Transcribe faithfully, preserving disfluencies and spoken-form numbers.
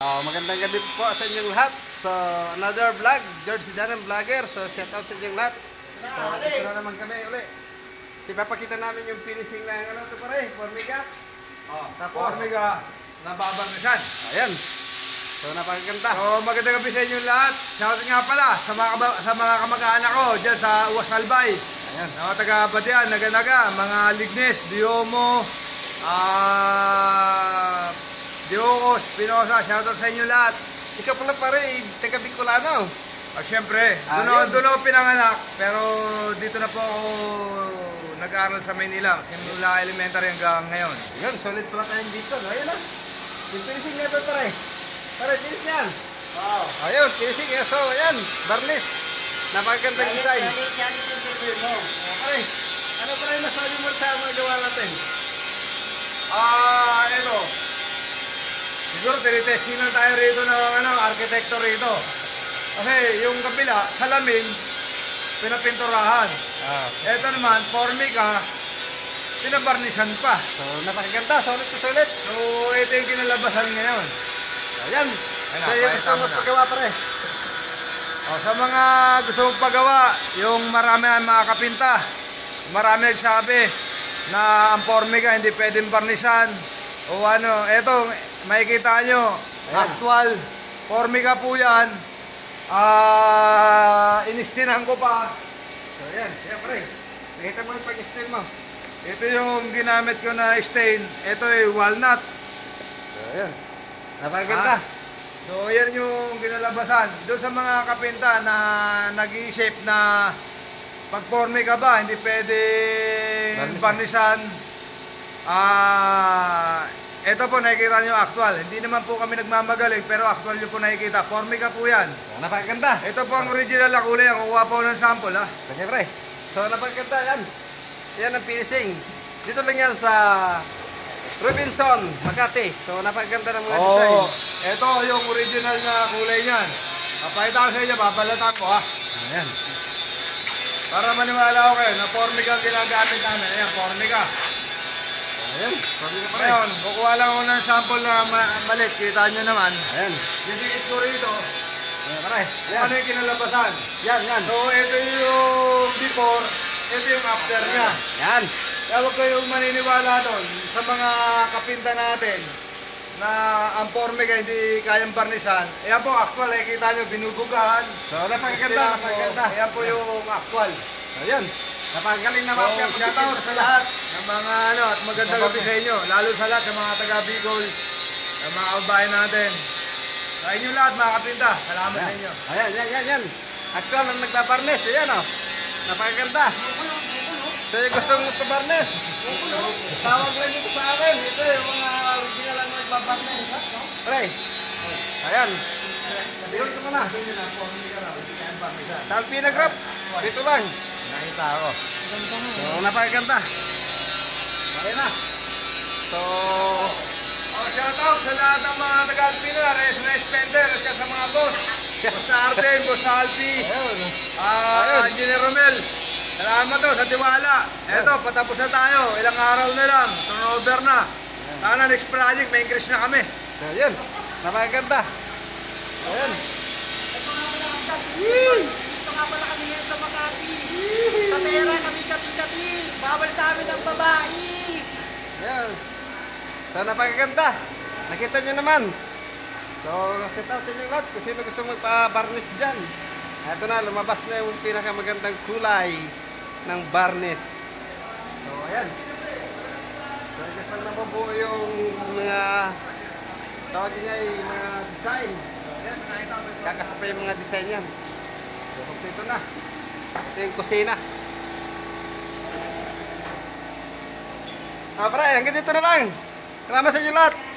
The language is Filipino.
Uh, magandang gabi po sa inyong lahat. So, another vlog, George Sidanan Vlogger. So, shout out sa inyong lahat. So, dito na naman kami uli. So, ipapakita namin yung finishing ng ano ito pare, formiga. Oh, Tapos, formiga na babangasan. ayan. So, napakaganda. So, magandang gabi sa inyo lahat. Shoutout nga pala sa mga, kaba- sa mga kamag-anak ko dyan sa Uwas Albay. Ayan. Mga taga-Batian, Naga-Naga, mga Lignes, Diomo, ah... Diokos, Pinosa, shoutout sa inyo lahat. Ikaw pala pare, taga Bicolano. At syempre, Ah, doon ako, yun. doon ako pinanganak, pero dito na po ako nag-aaral sa Maynila, simula elementary hanggang ngayon. Ayan, solid pala tayong dito. No? Ayan lang. Yung finishing na ito pare. Pare, finish yan. Wow. Ayun, finishing. So, ayan, varnish. Napakagandang design. Pare, ano pare masabi mo sa mga gawa natin? Ah, ito. Siguro tinitesting lang tayo rito ng ano, arkitekto rito. Kasi yung kabila, salamin, pinapinturahan. Ah. Ito naman, formica, pinabarnisan pa. So, napakaganda. Solid to solid. So, ito yung kinalabasan ngayon. Ayan. Ayun, So, yung pakita gusto mo mo na. paggawa pare. O, sa mga gusto mong pagawa, yung marami ang mga kapinta, marami nagsabi na ang formica hindi pwedeng barnisan. O ano, eto, makikita nyo, Ayan. actual, formica po yan. Ah, inistinan ko pa. So, ayan. Ayan pare. Nakita mo yung pag-steam mo. Ito yung ginamit ko na stain. Ito ay walnut. So, ayan. Napakaganda. Ah. So, yan yung ginalabasan. Doon sa mga kapinta na nag-iisip na pag formica ba, hindi pwede Barnisan. barnisan. Ah, ito po nakikita nyo actual. Hindi naman po kami nagmamagaling pero actual nyo po nakikita. Formica po yan. So, napakaganda. Ito po ang original na kulay. Ang kukuha po ng sample ha. Sige pare. So, napakaganda yan. Yan ang finishing. Dito lang yan sa Robinson, Makati. So, napakaganda ng mga design. Oo. Ito yung original na kulay niyan. Papakita ko sa inyo, babalatan ko ha. Ayan. Para maniwala ko kayo na formica ang ginagamit namin. Ayan, formica. Ayan. Formiga pare. Ngayon, kukuha lang ako ng sample na ma- malit. Kita nyo naman. Ayan. Didikit ko rito. Ayan pare. Kung Ayan. ano yung kinalabasan. Yan, yan. So, ito yung before. Ito yung after niya. Yan. Kaya huwag kayong maniniwala doon sa mga kapinta natin na ang formica hindi kayang barnisan. Ayan po, actual. Eh, kita nyo, binubugahan. So, napakaganda. Napakaganda. Ayan po yung actual. Ayan. Napakagaling na So, mapya. shout out sa lahat ng mga ano at magandang gabi sa inyo. Lalo sa lahat sa mga taga Bicol, sa mga kabayan natin. Sa inyo lahat mga kapinta, salamat sa inyo. Ayan, yan, yan, yan. Actual ang nagbabarnes. Ayan o. Napakaganda. So, yung gusto mong pabarnes. Tawag lang dito sa akin. Ito yung mga original ang nagbabarnes. Pre. Ayan. Yun ito mo na. Saan pinagrap? Dito lang. Nakita ako. So, napakaganda. Ayan na. So, Oh, shout out sa lahat ng mga taga-Alpina, Res na Spender, at sa mga boss. Boss sa Arden, Boss sa Alpi, ayun. ah, Ayun. Engineer Romel. Salamat to sa tiwala. Eto, patapos na tayo. Ilang araw na lang. Turnover na. Sana next project, may increase na kami. So, yun. Napakaganda. Ayan. Dito nga pala kami ngayon sa Makati. Sa pera kami kati-kati. Bawal sa amin ang babae. Ayan. So, napakaganda. Nakita nyo naman. So, set out sa inyo lahat kung sino gusto magpa-varnish dyan. Ito na, lumabas na yung pinakamagandang kulay ng varnish. So, ayan. So, just lang nabubuo yung mga tawag niya yung mga design. So, ayan. Kakasapay yung mga design yan. So, kompleto na. Ito yung kusina. Ah, pre, hanggang dito na lang. Salamat sa inyo lahat.